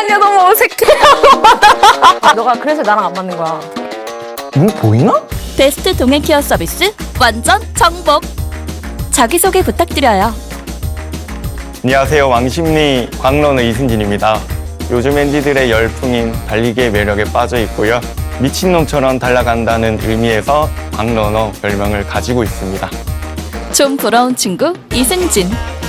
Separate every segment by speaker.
Speaker 1: 잠깐만요, 너무 어색해요. 너가 그래서 나랑 안 맞는 거야.
Speaker 2: 눈 보이나?
Speaker 3: 베스트 동행 케어 서비스 완전 정복. 자기소개 부탁드려요.
Speaker 2: 안녕하세요. 왕십리 광러너 이승진입니다. 요즘 엔디들의 열풍인 달리기의 매력에 빠져 있고요. 미친놈처럼 달려간다는 의미에서 광러너 별명을 가지고 있습니다.
Speaker 3: 좀 부러운 친구 이승진.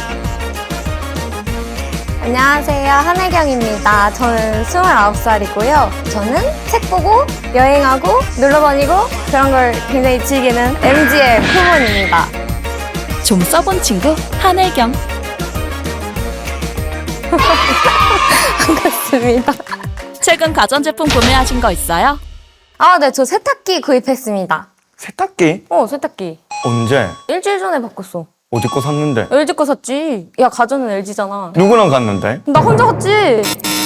Speaker 1: 안녕하세요, 한혜경입니다. 저는 29살이고요. 저는 책 보고 여행하고 놀러 다니고 그런 걸 굉장히 즐기는 MG의 후문입니다.
Speaker 3: 좀 써본 친구 한혜경.
Speaker 1: 반갑습니다.
Speaker 3: 최근 가전제품 구매하신 거 있어요?
Speaker 1: 아, 네, 저 세탁기 구입했습니다.
Speaker 2: 세탁기?
Speaker 1: 세탁기.
Speaker 2: 언제?
Speaker 1: 일주일 전에 바꿨어.
Speaker 2: 어디 거 샀는데?
Speaker 1: LG 거 샀지. 야, 가전은 LG잖아.
Speaker 2: 누구랑 갔는데?
Speaker 1: 나 혼자 갔지.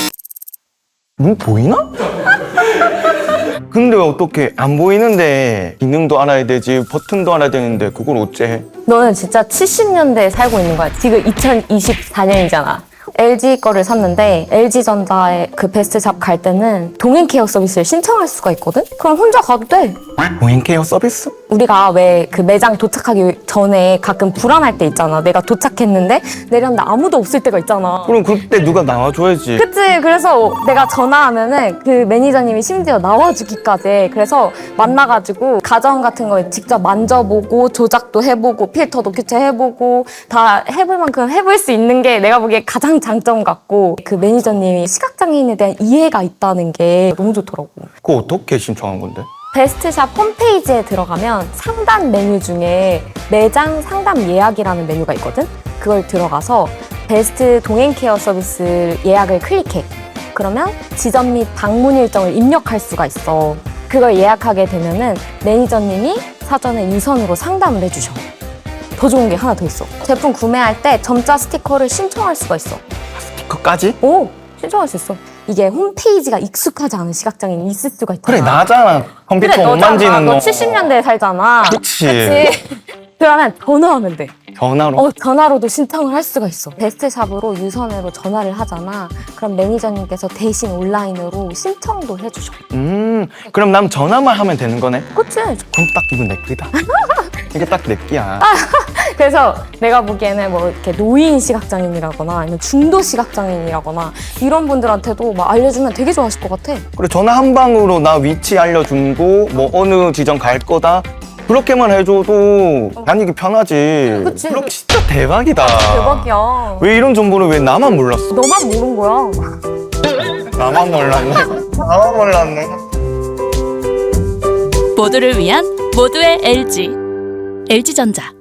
Speaker 2: 눈 보이나? 근데 왜 어떻게 안 보이는데 기능도 알아야 되지 버튼도 알아야 되는데 그걸 어째?
Speaker 1: 너는 진짜 70년대에 살고 있는 거야. 지금 2024년이잖아. LG 거를 샀는데 LG전자의 그 베스트샵 갈 때는 동행 케어 서비스를 신청할 수가 있거든? 그럼 혼자 가도 돼.
Speaker 2: 보행 케어 서비스?
Speaker 1: 우리가 왜 그 매장 도착하기 전에 가끔 불안할 때 있잖아. 내가 도착했는데 내렸는데 아무도 없을 때가 있잖아.
Speaker 2: 그럼 그때 누가 나와줘야지.
Speaker 1: 그치. 그래서 내가 전화하면은 그 매니저님이 심지어 나와주기까지 해. 그래서 만나가지고 가전 같은 거 직접 만져보고 조작도 해보고 필터도 교체해보고 다 해볼 만큼 해볼 수 있는 게 내가 보기에 가장 장점 같고, 그 매니저님이 시각장애인에 대한 이해가 있다는 게 너무 좋더라고.
Speaker 2: 그거 어떻게 신청한 건데?
Speaker 1: 베스트샵 홈페이지에 들어가면 상단 메뉴 중에 매장 상담 예약이라는 메뉴가 있거든? 그걸 들어가서 베스트 동행 케어 서비스 예약을 클릭해. 그러면 지점 및 방문 일정을 입력할 수가 있어. 그걸 예약하게 되면은 매니저님이 사전에 유선으로 상담을 해주셔. 더 좋은 게 하나 더 있어. 제품 구매할 때 점자 스티커를 신청할 수가 있어.
Speaker 2: 그까지?
Speaker 1: 신청할 수 있어. 이게 홈페이지가 익숙하지 않은 시각장애인이 있을 수가 있잖아.
Speaker 2: 그래 나잖아. 컴퓨터
Speaker 1: 그래,
Speaker 2: 못
Speaker 1: 너잖아.
Speaker 2: 만지는
Speaker 1: 너
Speaker 2: 너.
Speaker 1: 70년대에 살잖아.
Speaker 2: 그치.
Speaker 1: 그러면 전화하면 돼.
Speaker 2: 전화로?
Speaker 1: 전화로도 신청을 할 수가 있어. 베스트샵으로 유선으로 전화를 하잖아. 그럼 매니저님께서 대신 온라인으로 신청도 해주셔.
Speaker 2: 그럼 난 전화만 하면 되는 거네?
Speaker 1: 그치?
Speaker 2: 그럼 딱 이건 내 끼다. 이게 딱 내 끼야.
Speaker 1: 그래서 내가 보기에는 뭐 이렇게 노인 시각장애인이라거나 아니면 중도 시각장애인이라거나 이런 분들한테도 막 알려주면 되게 좋아하실 것 같아.
Speaker 2: 그래 전화 한 방으로 나 위치 알려주고 뭐 어느 지점 갈 거다 그렇게만 해줘도 난 이게 편하지.
Speaker 1: 그치.
Speaker 2: 그럼 진짜 대박이다.
Speaker 1: 대박이야.
Speaker 2: 왜 이런 정보를 왜 나만 몰랐어?
Speaker 1: 너만 모른 거야.
Speaker 2: 나만 몰랐네. 나만 몰랐네.
Speaker 3: 모두를 위한 모두의 LG. LG전자.